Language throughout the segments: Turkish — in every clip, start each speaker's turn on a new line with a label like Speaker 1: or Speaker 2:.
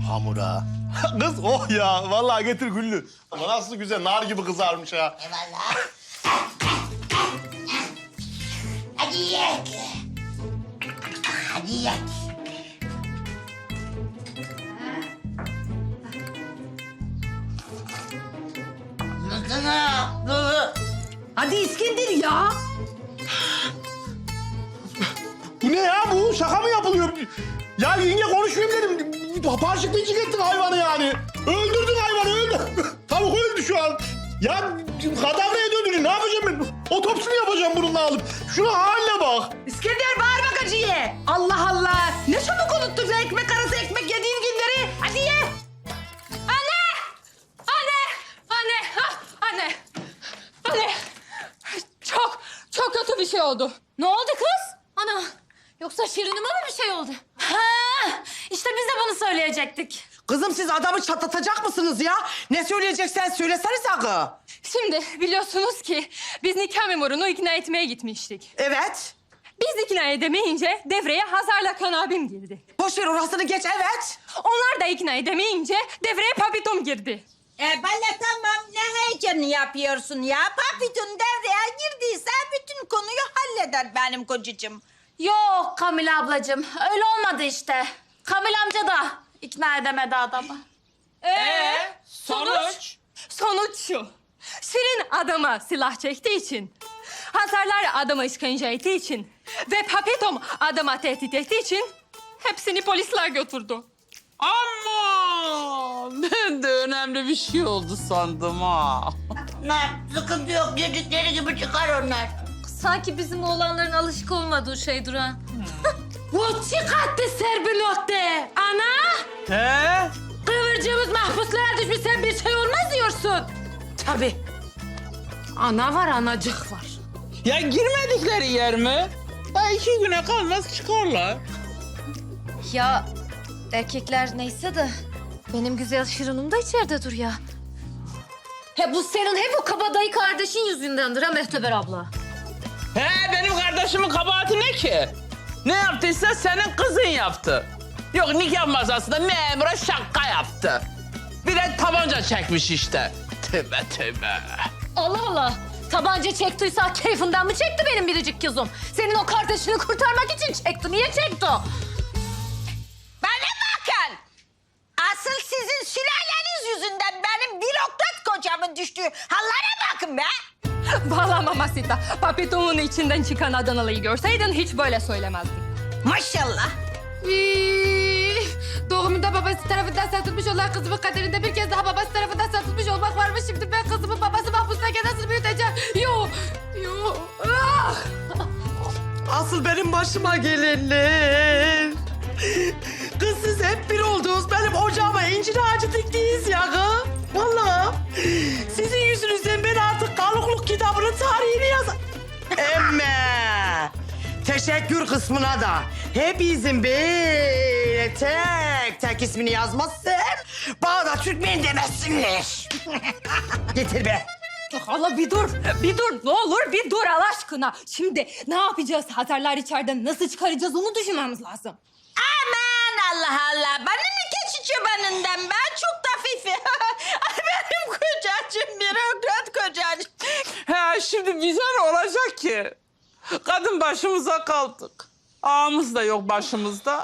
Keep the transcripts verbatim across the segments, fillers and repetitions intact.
Speaker 1: hamura. Kız oh ya, vallahi getir Güllü. Ama nasıl güzel, nar gibi kızarmış ha.
Speaker 2: Eyvallah. Hadi yiyek. Hadi yiyek.
Speaker 3: Hadi İskender ya.
Speaker 1: Bu ne ya bu? Şaka mı yapılıyor? Ya yenge konuşmayayım dedim. Parçıklayıcı ettin hayvanı yani. Öldürdün hayvanı, öldü. Tavuk öldü şu an. Ya kadavraya döndürün. Ne yapacağım ben? Otopsini yapacağım bununla alıp. Şuna haline bak.
Speaker 3: İskender bağırma gacıya. Allah Allah. Ne çabuk unuttun sen ekmek arası ekmek yediğin günleri. Hadi ye.
Speaker 4: Anne! Anne! Anne! Ah, anne! Anne! Çok, çok kötü bir şey oldu. Ne oldu kız? Ana, yoksa Şirin'ime mi bir şey oldu? Ha, işte biz de bunu söyleyecektik.
Speaker 3: Kızım siz adamı çatlatacak mısınız ya? Ne söyleyeceksen söylesene sakın.
Speaker 4: Şimdi biliyorsunuz ki biz nikah memurunu ikna etmeye gitmiştik.
Speaker 3: Evet.
Speaker 4: Biz ikna edemeyince devreye Hazar'la Kan abim girdi.
Speaker 3: Boş ver orasını geç evet.
Speaker 4: Onlar da ikna edemeyince devreye Papitom girdi.
Speaker 2: E Bala tamam, ne heyecanı yapıyorsun ya? Papitun devreye girdiyse bütün konuyu halleder benim kocacığım.
Speaker 4: Yok Kamil ablacığım, öyle olmadı işte. Kamil amca da ikna edemedi adamı. Ee, sonuç? Sonuç şu. Şirin adama silah çektiği için, Hazarlar adama işkence ettiği için ve Papetom adama tehdit ettiği için hepsini polisler götürdü.
Speaker 5: Ama ben de önemli bir şey oldu sandım ha.
Speaker 2: Ne, sıkıntı yok, dedikleri gibi çıkar onlar.
Speaker 4: Sanki bizim oğlanların alışık olmadığı şey Duran. Bu çıkarttı Serbinotte. Ana!
Speaker 5: He?
Speaker 4: Kıvırcığımız mahpuslara düşmüş, sen bir şey olmaz diyorsun.
Speaker 3: Tabii.
Speaker 4: Ana var, anacık var.
Speaker 5: Ya girmedikleri yer mi? Daha iki güne kalmaz çıkarlar.
Speaker 4: Ya erkekler neyse de benim güzel Şirin'im de içeride dur ya. He bu senin hep o kabadayı kardeşin yüzündendir ha Mehteber abla.
Speaker 5: He benim kardeşimin kabahati ne ki? Ne yaptıysa senin kızın yaptı. Yok nikah masasında memura şaka yaptı. Bir de tabanca çekmiş işte. Tövbe tövbe.
Speaker 4: Allah Allah. Tabanca çektiyse keyfinden mi çekti benim biricik kızım? Senin o kardeşini kurtarmak için çekti. Niye çekti o?
Speaker 2: Bana bakın. Asıl sizin sülaleniz yüzünden benim bürokrat kocamın düştüğü hallere bakın be.
Speaker 4: Vallahi Mamasita, Papitom'un içinden çıkan Adanalı'yı görseydin hiç böyle söylemezdin.
Speaker 2: Maşallah.
Speaker 6: Doğumunda babası tarafından satılmış olan kızımın kaderinde bir kez daha babası tarafından satılmış olmak varmış. Şimdi ben kızımın babası mahpustayken nasıl büyüteceğim? Yok, yok. Ah!
Speaker 3: Asıl benim başıma gelenler. Kız siz hep bir oldunuz. Benim ocağıma incir ağacı diktiniz ya kız. Vallahi. Sizin yüzünüzden ben artık kalıklık kitabının tarihini yazar. Emme. Teşekkür kısmına da hepinizin böyle tek tek ismini yazmazsam bana da Türkmen demezsinler. Getir be.
Speaker 4: Allah bir dur, bir dur. Ne olur bir dur Allah aşkına. Şimdi ne yapacağız? Hazarlar içeriden nasıl çıkaracağız onu düşünmemiz lazım.
Speaker 2: Aman Allah Allah. Bana ne keçi çobanından ben çok da fifi. Ay benim kocacığım bürokrat kocacığım.
Speaker 5: He şimdi bize ne olacak ki? Kadın başımıza kaldık. Ağamız da yok başımızda.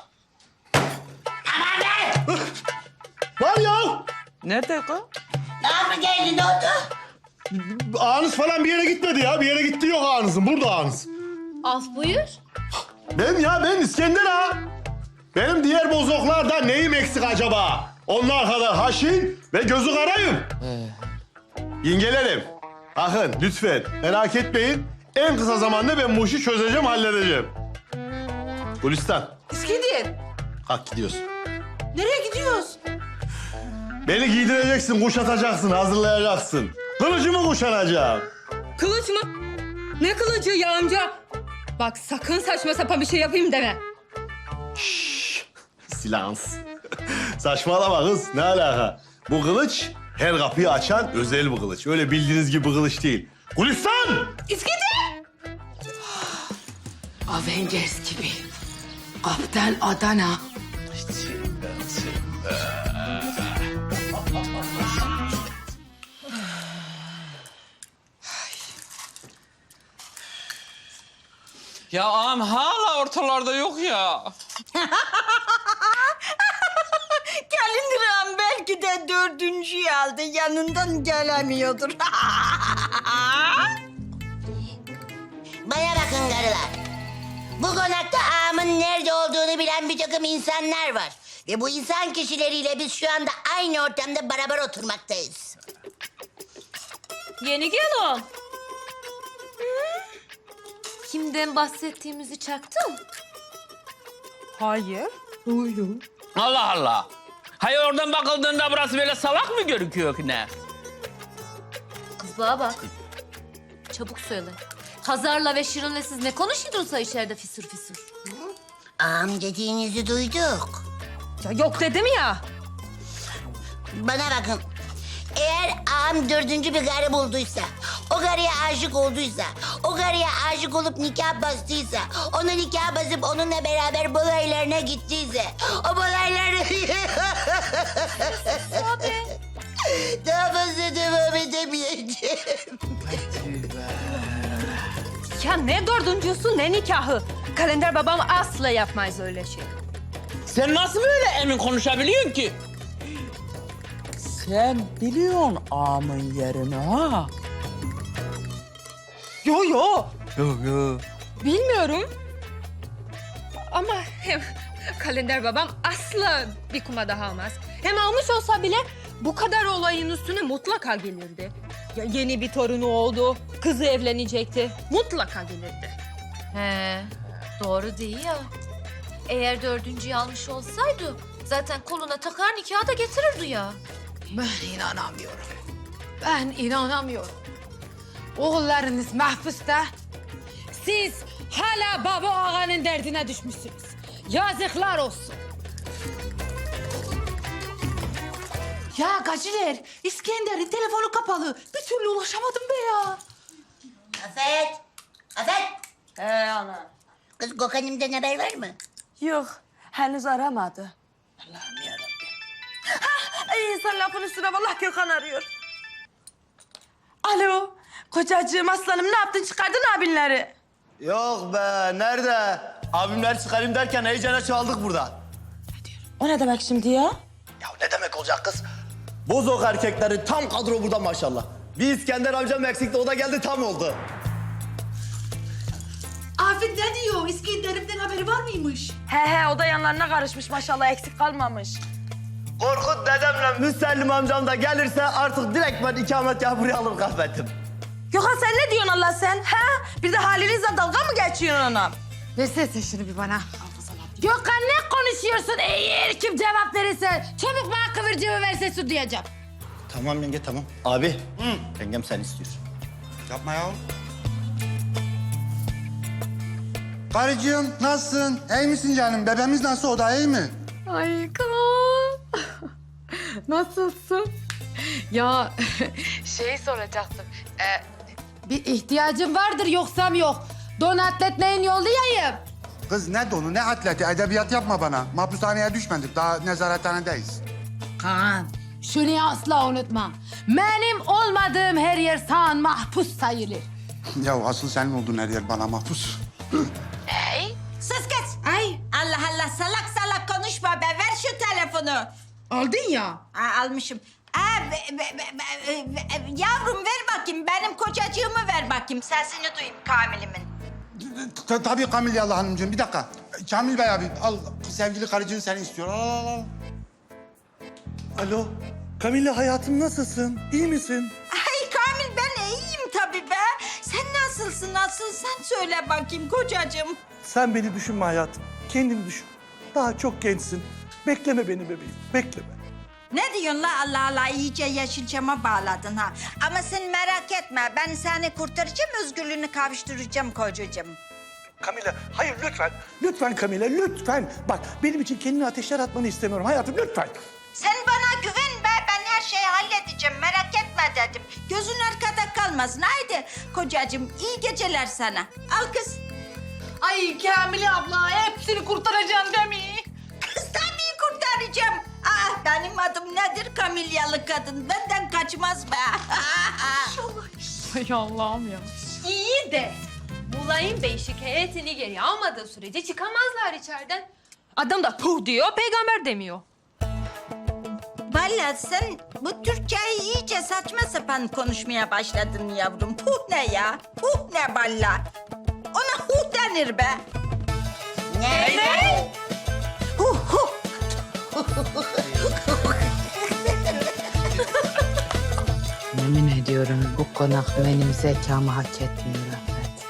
Speaker 1: Var ya.
Speaker 5: Nerede kız?
Speaker 2: Ne yapı geldi, ne oldu?
Speaker 1: Ağınız falan bir yere gitmedi ya. Bir yere gitti yok ağınızın. Burada ağınız.
Speaker 4: Al buyur.
Speaker 1: Ben ya ben İskender ha. Benim diğer bozoklarda neyim eksik acaba? Onlar kadar haşin ve gözü karayım. Yengelerim, bakın lütfen merak etmeyin. En kısa zamanda ben bu işi çözeceğim, halledeceğim. Gülistan,
Speaker 3: İskender.
Speaker 1: kalk gidiyorsun.
Speaker 3: Nereye gidiyoruz?
Speaker 1: Beni giydireceksin, kuşatacaksın, hazırlayacaksın. Kılıcımı kuşanacağım.
Speaker 4: Kılıç mı? Ne kılıcı ya amca? Bak sakın saçma sapan bir şey yapayım deme.
Speaker 1: Silans. Saçmalama kız, ne alaka? Bu kılıç her kapıyı açan özel bir kılıç. Öyle bildiğiniz gibi bir kılıç değil. Gülistan!
Speaker 4: İskender!
Speaker 6: Avengers gibi. Kaptan Adana.
Speaker 1: Sen, sen,
Speaker 5: Ya ağam hala ortalarda yok ya.
Speaker 2: Kalindiram belki de dördüncüyü aldı. Yanından gelemiyordur.
Speaker 7: Bana bakın karılar. Bu konakta ağamın nerede olduğunu bilen bir takım insanlar var. Ve bu insan kişileriyle biz şu anda aynı ortamda beraber oturmaktayız.
Speaker 4: Yeni gelin. Kimden bahsettiğimizi çaktın?
Speaker 3: Hayır.
Speaker 5: Allah Allah. Hayır oradan bakıldığında burası böyle salak mı gözüküyor ki ne?
Speaker 4: Kız bana bak. Çabuk söyle. Hazar'la ve Şirin'le siz ne konuşuyordunuz içeride fisur fisur?
Speaker 7: Ağam dediğinizi duyduk.
Speaker 4: Ya yok dedim ya.
Speaker 7: Bana bakın. Eğer ağam dördüncü bir karı bulduysa, o karıya aşık olduysa, o karıya aşık olup nikah bastıysa, ona nikah basıp onunla beraber balaylarına gittiyse, o balayları...
Speaker 4: Abi.
Speaker 7: Daha fazla devam edemeyeceğim.
Speaker 4: Ya ne dördüncüsü ne nikahı. Kalender babam asla yapmaz öyle şey.
Speaker 5: Sen nasıl böyle emin konuşabiliyorsun ki? Sen biliyorsun ağamın yerini ha?
Speaker 3: Yo yo.
Speaker 5: Yok yok.
Speaker 6: Bilmiyorum. Ama hem kalender babam asla bir kuma daha almaz. Hem almış olsa bile bu kadar olayın üstüne mutlaka gelirdi. Ya yeni bir torunu oldu, kızı evlenecekti. Mutlaka gelirdi.
Speaker 4: He, doğru değil ya. Eğer dördüncüyü almış olsaydı zaten koluna takar nikahı da getirirdi ya.
Speaker 6: Ben inanamıyorum. Ben inanamıyorum. Oğullarınız mahpusta. Siz hala baba ağanın derdine düşmüşsünüz. Yazıklar olsun.
Speaker 3: Ya Gaciler, İskender'in telefonu kapalı. Bir türlü ulaşamadım be ya.
Speaker 7: Afet! Afet!
Speaker 4: He ana.
Speaker 7: Kız Gökhan'ımdan haber var mı?
Speaker 3: Yok, henüz aramadı. Allah'ım yarabbim. Ay insan lafın üstüne vallahi Gökhan arıyor. Alo, kocacığım aslanım ne yaptın çıkardın abinleri?
Speaker 8: Yok be, nerede? Abimler çıkarayım derken heyecana çaldık burada.
Speaker 3: O ne demek şimdi ya?
Speaker 8: Ya ne demek olacak kız? Bozok erkekleri tam kadro burada maşallah. Bir İskender amcam eksikti, o da geldi tam oldu.
Speaker 3: Afet ne diyor? İskender'imden haberi var mıymış? He he, o da yanlarına karışmış maşallah, eksik kalmamış.
Speaker 8: Korkut dedemle Müsellim amcam da gelirse artık direkt ben ikametgahı buraya alır kahvetim.
Speaker 3: Gökhan sen ne diyorsun Allah sen? Ha? Bir de halinizle dalga mı geçiyorsun ona?
Speaker 6: Versene şunu bir bana. Gökhan ne konuşuyorsun? Eğer kim cevap verirse çabuk bana kıvırcığı verse su diyeceğim.
Speaker 8: Tamam yenge tamam. Abi, yengem sen istiyorsun.
Speaker 9: Yapma ya. Karıcığım nasılsın? İyi misin canım? Bebeğimiz nasıl? O da iyi mi?
Speaker 6: Ay Kaan. Nasılsın? Ya şey soracaktım. Ee, bir ihtiyacın vardır yoksam yok. Don atlet neyin yollayayım?
Speaker 9: Kız ne donu ne atleti edebiyat yapma bana. Mahpushaneye düşmedik daha nezarethanedeyiz.
Speaker 6: Kaan şunu asla unutma. Benim olmadığım her yer sağın mahpus sayılır.
Speaker 9: Ya asıl senin olduğun her yer bana mahpus.
Speaker 2: Sus kız. Ay. Allah Allah salak salak konuşma be. Ver şu telefonu.
Speaker 3: Aldın ya.
Speaker 2: Aa, almışım. Aa, be, be, be, be, be, yavrum ver bakayım. Benim kocacığımı ver bakayım. Sesini duyayım Kamil'imin.
Speaker 9: T- Tabii Kamilyalı Hanımcığım bir dakika. Kamil Bey abi al sevgili karıcığın seni istiyor. Al al al.
Speaker 8: Alo, Kamille hayatım nasılsın? İyi misin?
Speaker 2: Ay Kamil ben iyiyim tabii be. Sen nasılsın nasıl? Sen söyle bakayım kocacığım.
Speaker 10: Sen beni düşünme hayatım. Kendini düşün. Daha çok gençsin. Bekleme beni bebeğim. Bekleme.
Speaker 2: Ne diyorsun la Allah Allah iyice Yeşilçam'a bağladın ha. Ama sen merak etme ben seni kurtaracağım özgürlüğünü kavuşturacağım kocacığım.
Speaker 10: Kamila, hayır lütfen. Lütfen Kamila, lütfen. Bak benim için kendini ateşler atmanı istemiyorum hayatım. Lütfen.
Speaker 2: Sen bana güven be ben her şeyi halledeceğim merak etme dedim. Gözün arkada kalmasın haydi kocacığım iyi geceler sana. Al kız.
Speaker 3: Ay Kamile abla hepsini kurtaracaksın değil mi?
Speaker 2: Kız tabii kurtaracağım. Ah benim adım nedir Kamilyalı kadın benden kaçmaz be.
Speaker 6: Ay Allah'ım ya.
Speaker 3: İyi de bu
Speaker 6: Mülayim Bey şikayetini geri almadığı sürece çıkamazlar içeriden. Adam da puh diyor, peygamber demiyor.
Speaker 2: Vallahi sen bu Türkçeyi iyice saçma sapan konuşmaya başladın yavrum. Puh ne ya? Puh ne valla? Ona huh denir be.
Speaker 7: Ne?
Speaker 2: Ne? Huh huh.
Speaker 3: Yemin ediyorum bu konak benim zekamı hak etmiyor Afet.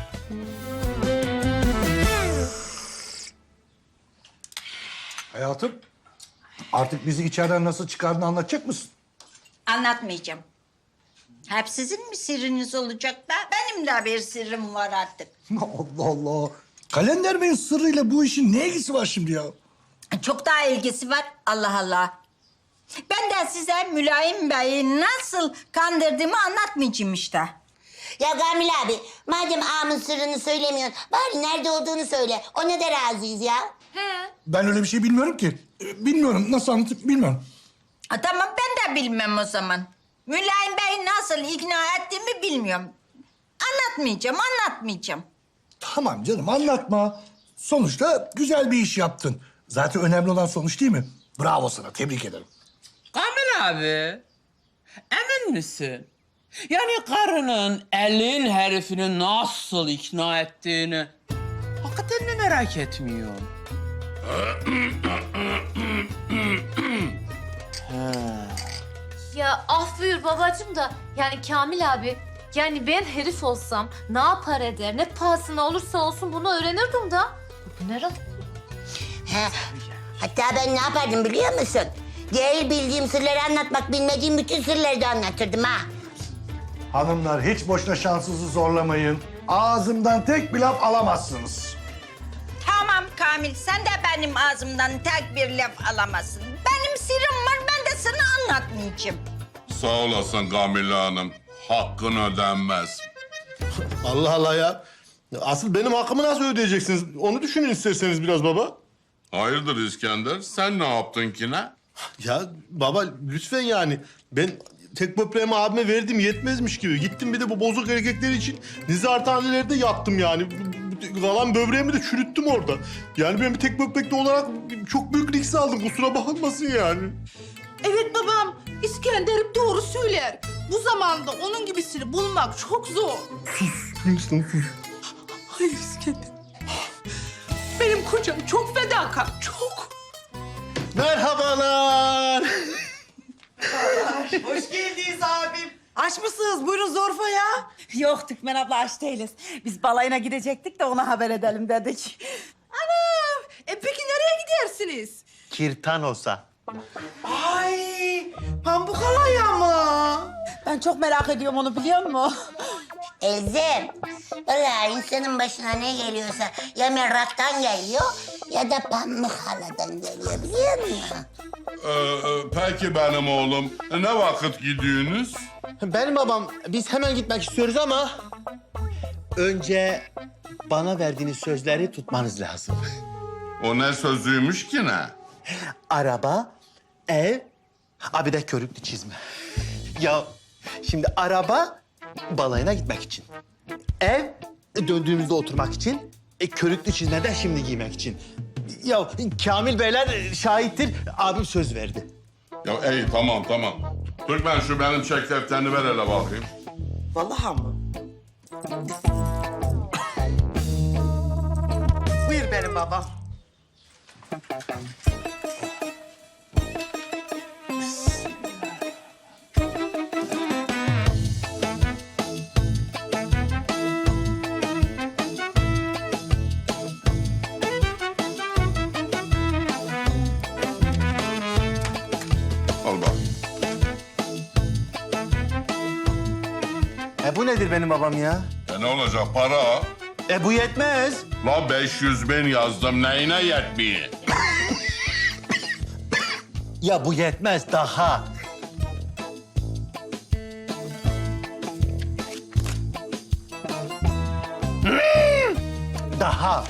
Speaker 10: Hayatım, artık bizi içeriden nasıl çıkardığını anlatacak mısın?
Speaker 2: Anlatmayacağım. Hep sizin mi sırrınız olacak be? Benim de bir sırrım var artık.
Speaker 10: Allah Allah. Kalender Bey'in sırrıyla bu işin ne ilgisi var şimdi ya?
Speaker 2: Çok daha ilgisi var. Allah Allah. Ben de size Mülayim Bey'i nasıl kandırdığımı anlatmayacağım işte.
Speaker 7: Ya Kamil abi, madem ağamın sırrını söylemiyorsun, bari nerede olduğunu söyle. Ona da razıyız ya.
Speaker 10: Ben öyle bir şey bilmiyorum ki. Ee, Bilmiyorum, nasıl anlatıp bilmiyorum.
Speaker 2: Ha, tamam ben de bilmem o zaman. Mülayim Bey'i nasıl ikna ettiğimi bilmiyorum. Anlatmayacağım, anlatmayacağım.
Speaker 10: Tamam canım, anlatma. Sonuçta güzel bir iş yaptın. Zaten önemli olan sonuç değil mi? Bravo sana, tebrik ederim.
Speaker 5: Kamil abi, emin misin? Yani karının elin herifini nasıl ikna ettiğini hakikaten mi merak etmiyorsun?
Speaker 4: Ya af buyur babacığım da yani Kamil abi yani ben herif olsam ne yapar eder ne pahasına olursa olsun bunu öğrenirdim da. Bu ne rahat?
Speaker 7: He. Hatta ben ne yapardım biliyor musun? Değil bildiğim sırları anlatmak, bilmediğim bütün sırları da anlatırdım ha.
Speaker 10: Hanımlar hiç boşuna şansınızı zorlamayın. Ağzımdan tek bir laf alamazsınız.
Speaker 2: Tamam Kamil, sen de benim ağzımdan tek bir laf alamazsın. Benim sırrım var, ben de sana anlatmayacağım.
Speaker 11: Sağ olasın Kamile Hanım. Hakkın ödenmez.
Speaker 1: Allah Allah ya. Asıl benim hakkımı nasıl ödeyeceksiniz? Onu düşünün isterseniz biraz baba.
Speaker 11: Hayırdır İskender? Sen ne yaptın ki ne?
Speaker 1: Ya baba lütfen yani. Ben tek böbreğimi abime verdim yetmezmiş gibi. Gittim bir de bu bozuk erkekler için nizarhanelerde yattım yani. Kalan böbreğimi de çürüttüm orada. Yani ben bir tek böbrekli olarak çok büyük risk aldım. Kusura bakılmasın yani.
Speaker 3: Evet babam, İskender hep doğru söyler. Bu zamanda onun gibisini bulmak çok zor.
Speaker 1: Lütfen sus.
Speaker 3: Hayır İskender. Benim kocam çok fedakar, çok.
Speaker 1: Merhabalar.
Speaker 3: Hoş geldiniz abim. Aç mısınız? Buyurun Zorfa ya.
Speaker 12: Yok Türkmen abla aç değiliz. Biz balayına gidecektik de ona haber edelim dedik.
Speaker 3: Anam, e peki nereye gidersiniz?
Speaker 8: Kirtanos'a.
Speaker 3: Ay, pamuk halaya mı?
Speaker 12: Ben çok merak ediyorum onu biliyor musun?
Speaker 7: Elzem, vallahi insanın başına ne geliyorsa ya meraktan geliyor ya da pamuk haladan geliyor biliyor musun?
Speaker 11: Ee, e, peki benim oğlum. Ne vakit gidiyorsunuz?
Speaker 8: Benim babam, biz hemen gitmek istiyoruz ama... ...önce bana verdiğiniz sözleri tutmanız lazım.
Speaker 11: O ne sözüymüş ki ne?
Speaker 8: Araba, ev, abi de körüklü çizme. Ya şimdi araba balayına gitmek için. Ev döndüğümüzde oturmak için. E, körüklü çizme de şimdi giymek için. Ya Kamil Beyler şahittir. Abim söz verdi.
Speaker 11: Ya iyi tamam tamam. Türkmen şu benim çek defterini ver hele bakayım.
Speaker 3: Vallahi mı? Buyur benim babam.
Speaker 11: Al bak.
Speaker 8: E bu nedir benim babam ya?
Speaker 11: E ne olacak para?
Speaker 8: E bu yetmez.
Speaker 11: La beş yüz bin yazdım neyine yetmiyor?
Speaker 8: Ya bu yetmez daha. Daha.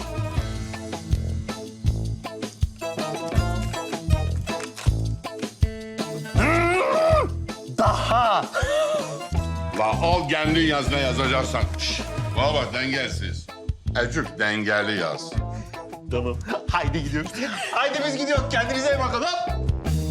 Speaker 8: Daha.
Speaker 11: La al kendin yaz ne yazacaksan. Şş, Baba dengesiz. Ecük dengeli yaz.
Speaker 8: Tamam. Haydi gidiyoruz. Haydi biz gidiyoruz. Kendinize iyi bakın. Hop.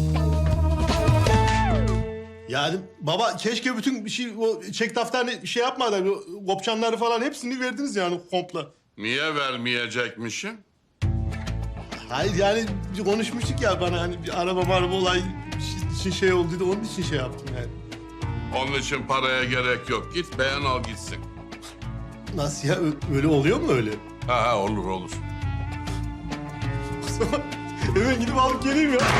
Speaker 1: Yani baba keşke bütün bir şey o çek defterini şey yapmadan o kopçanları falan hepsini verdiniz yani komple.
Speaker 11: Niye vermeyecekmişim?
Speaker 1: Hayır yani konuşmuştuk ya bana hani bir araba maraba olay için şey oldu da onun için şey yaptım yani.
Speaker 11: Onun için paraya gerek yok. Git beğen al gitsin.
Speaker 1: Nasıl ya Ö- öyle oluyor mu öyle?
Speaker 11: Ha ha olur olur.
Speaker 1: O zaman hemen gidip alıp geleyim ya.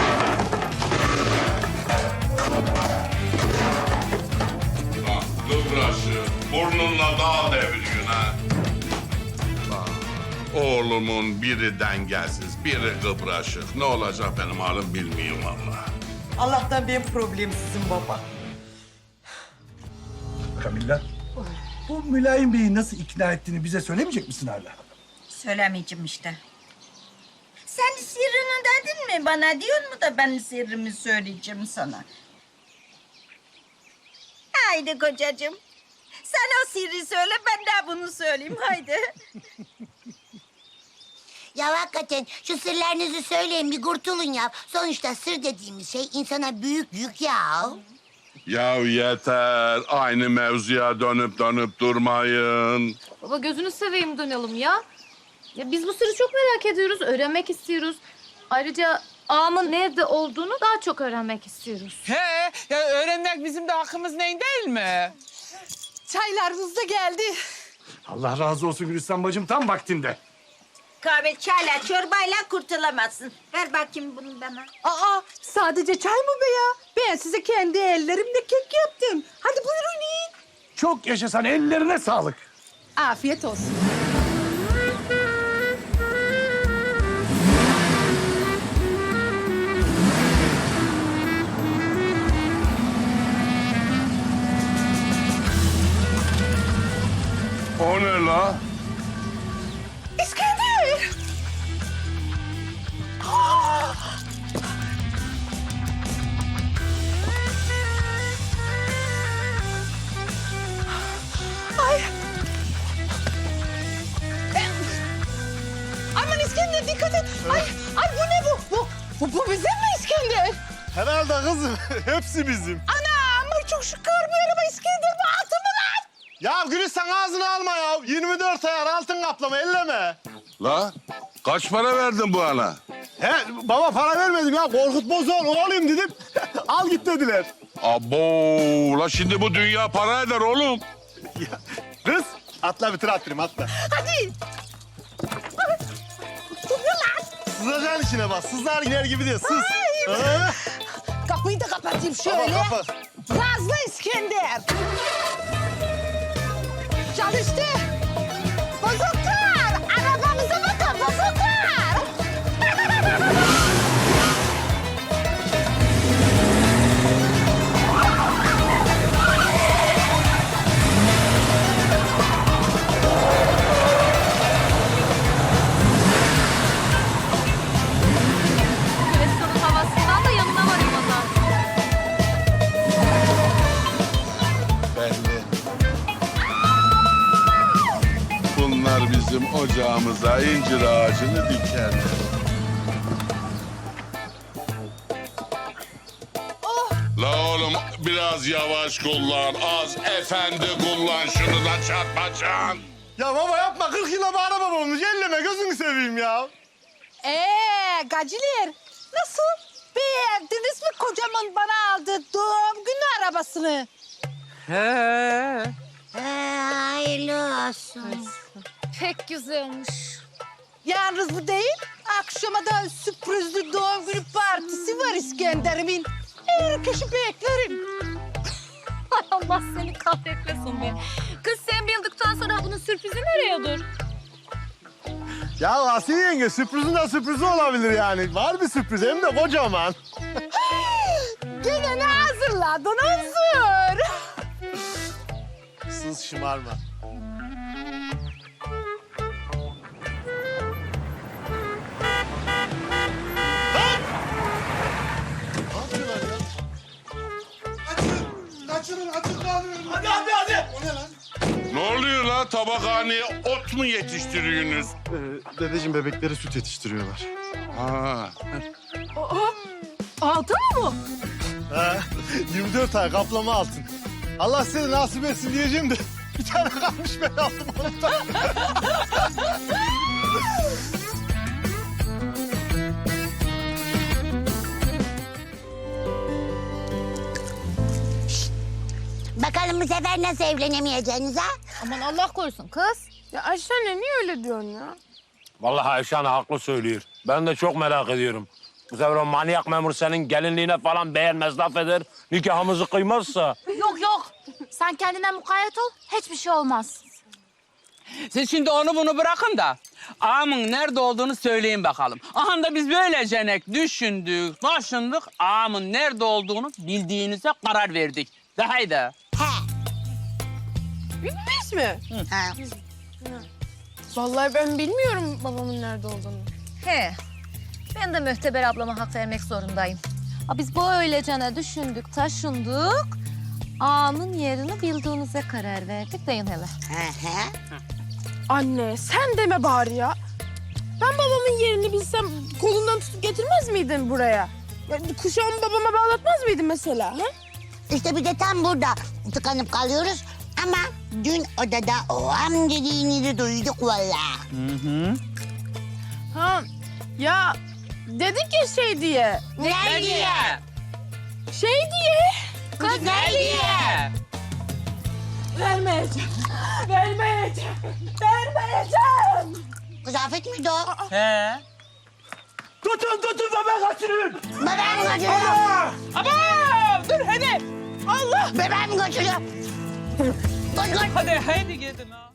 Speaker 11: Bak kıbraşı burnunla dağ deviriyorsun ha. Bak, oğlumun biri dengesiz, biri kıbraşık. Ne olacak benim halim bilmiyorum vallahi.
Speaker 3: Allah'tan benim problemsizim baba.
Speaker 10: Kamilla, bu Mülayim Bey'i nasıl ikna ettiğini bize söylemeyecek misin hala?
Speaker 2: Söylemeyeceğim işte. Sen sırrını dedin mi bana diyor mu da ben sırrımı söyleyeceğim sana. Haydi kocacığım. Sen o sırrı söyle ben de bunu söyleyeyim haydi.
Speaker 7: Ya hakikaten şu sırlarınızı söyleyin bir kurtulun ya. Sonuçta sır dediğimiz şey insana büyük yük ya.
Speaker 11: Ya yeter. Aynı mevzuya dönüp dönüp durmayın.
Speaker 4: Baba gözünü seveyim dönelim ya. Ya biz bu sırrı çok merak ediyoruz, öğrenmek istiyoruz. Ayrıca ağamın nerede olduğunu daha çok öğrenmek istiyoruz.
Speaker 5: He, ya öğrenmek bizim de hakkımız neyin değil mi?
Speaker 3: Çaylarınız da geldi.
Speaker 10: Allah razı olsun Gülistan bacım, tam vaktinde.
Speaker 2: Kahve çayla çorbayla kurtulamazsın. Ver bakayım bunu bana.
Speaker 3: Aa, sadece çay mı be ya? Ben size kendi ellerimle kek yaptım. Hadi buyurun yiyin.
Speaker 10: Çok yaşasan, ellerine sağlık.
Speaker 3: Afiyet olsun.
Speaker 11: O ne la?
Speaker 3: İskender! Ay! Aman İskender dikkat et! Ay, ay bu ne bu? Bu, bu, bu bizim mi İskender?
Speaker 1: Herhalde kızım hepsi bizim.
Speaker 3: Ana ama çok şükür bir araba İskender bu altın mı lan?
Speaker 1: Ya Gülistan ağzını alma ya. yirmi dört ayar altın kaplama elleme.
Speaker 11: La kaç para verdin bu ana?
Speaker 1: He baba para vermedim ya. Korkut Bozor oğlum dedim. Al git dediler.
Speaker 11: Abo la şimdi bu dünya para eder oğlum.
Speaker 1: Ya, kız atla bir tır attırayım atla.
Speaker 3: Hadi!
Speaker 1: Sızacaksın içine bak. Sızlar iner gibi değil sız. Ha?
Speaker 3: Kapıyı da kapatayım
Speaker 1: Baba
Speaker 3: şöyle.
Speaker 1: kapat.
Speaker 3: Gazlı İskender. Çalıştı. Bozuklar. Arabamıza bakın bozuklar.
Speaker 4: Gülistan'ın havasından da yanına varayım o zaman.
Speaker 11: Belli. Bunlar bizim ocağımıza incir ağacını dikerler. La oğlum biraz yavaş kullan. Az efendi kullan şunu da çarpacaksın.
Speaker 1: Ya baba yapma. kırk yıla bir araba olmuş. Elleme gözünü seveyim ya.
Speaker 3: Ee, gaciler. Nasıl? Beğendiniz mi kocamın bana aldığı doğum günü arabasını?
Speaker 5: He.
Speaker 7: Ee, hayırlı olsun.
Speaker 4: Pek güzelmiş.
Speaker 3: Yalnız bu değil. Akşama da sürprizli doğum günü partisi var İskender'imin. Herkesi beklerim.
Speaker 4: Ay Allah seni kahretmesin be. Kız sen bildikten sonra bunun sürprizi nereye olur?
Speaker 1: Ya Asiye yenge sürprizin de sürprizi olabilir yani. Var bir sürpriz hem de kocaman.
Speaker 3: Gene ne hazırladın Huzur?
Speaker 1: Sız şımarma.
Speaker 9: Kaçırın, kaçırın, açık kalıyorum.
Speaker 1: Hadi hadi hadi.
Speaker 9: O ne lan?
Speaker 11: Ne oluyor la? Tabakhaneye ot mu yetiştiriyorsunuz?
Speaker 8: Ee, dedeciğim bebekleri süt yetiştiriyorlar.
Speaker 11: Ha.
Speaker 6: Altın mı bu?
Speaker 8: Ha, yirmi dört ay kaplama altın. Allah seni nasip etsin diyeceğim de bir tane kalmış ben aldım onu da.
Speaker 7: Bakalım bu sefer nasıl evlenemeyeceğiniz ha?
Speaker 4: Aman Allah korusun kız.
Speaker 6: Ya Ayşe anne niye öyle diyorsun ya?
Speaker 13: Vallahi Ayşe Hanım haklı söylüyor. Ben de çok merak ediyorum. Bu sefer o manyak memur senin gelinliğine falan beğenmez, laf eder. Nikahımızı kıymazsa.
Speaker 4: Yok yok. Sen kendine mukayyet ol. Hiçbir şey olmaz.
Speaker 5: Siz şimdi onu bunu bırakın da ağamın nerede olduğunu söyleyin bakalım. Aha da biz böylece düşündük, taşındık. Ağamın nerede olduğunu bildiğinize karar verdik. De haydi.
Speaker 7: He.
Speaker 6: Biz mi?
Speaker 7: Ha.
Speaker 6: Vallahi ben bilmiyorum babamın nerede olduğunu.
Speaker 4: He. Ben de Mühteber ablama hak vermek zorundayım. Ha, biz böylecene düşündük, taşındık. Ağamın yerini bildiğinize karar verdik. Deyin hele.
Speaker 7: Hı hı.
Speaker 6: Anne sen deme bari ya. Ben babamın yerini bilsem kolundan tutup getirmez miydin buraya? Ya, kuşağımı babama bağlatmaz mıydın mesela? Ha?
Speaker 7: İşte bir de tam burada tıkanıp kalıyoruz. Ama dün odada o am dediğinizi duyduk vallahi.
Speaker 6: Ha ya dedik ya şey diye.
Speaker 7: Ne diye?
Speaker 6: Şey diye.
Speaker 7: Kız ne diye?
Speaker 6: Vermeyeceğim. Vermeyeceğim. Vermeyeceğim.
Speaker 7: Kızafet miydi o?
Speaker 5: He.
Speaker 13: Tutun tutun bebeği kaçırın.
Speaker 7: Bebeğimi kaçırıyor.
Speaker 5: Ama dur hadi.
Speaker 7: Bebeğimi kaçırıyor. Koş koş.
Speaker 5: Hadi haydi gidin ha.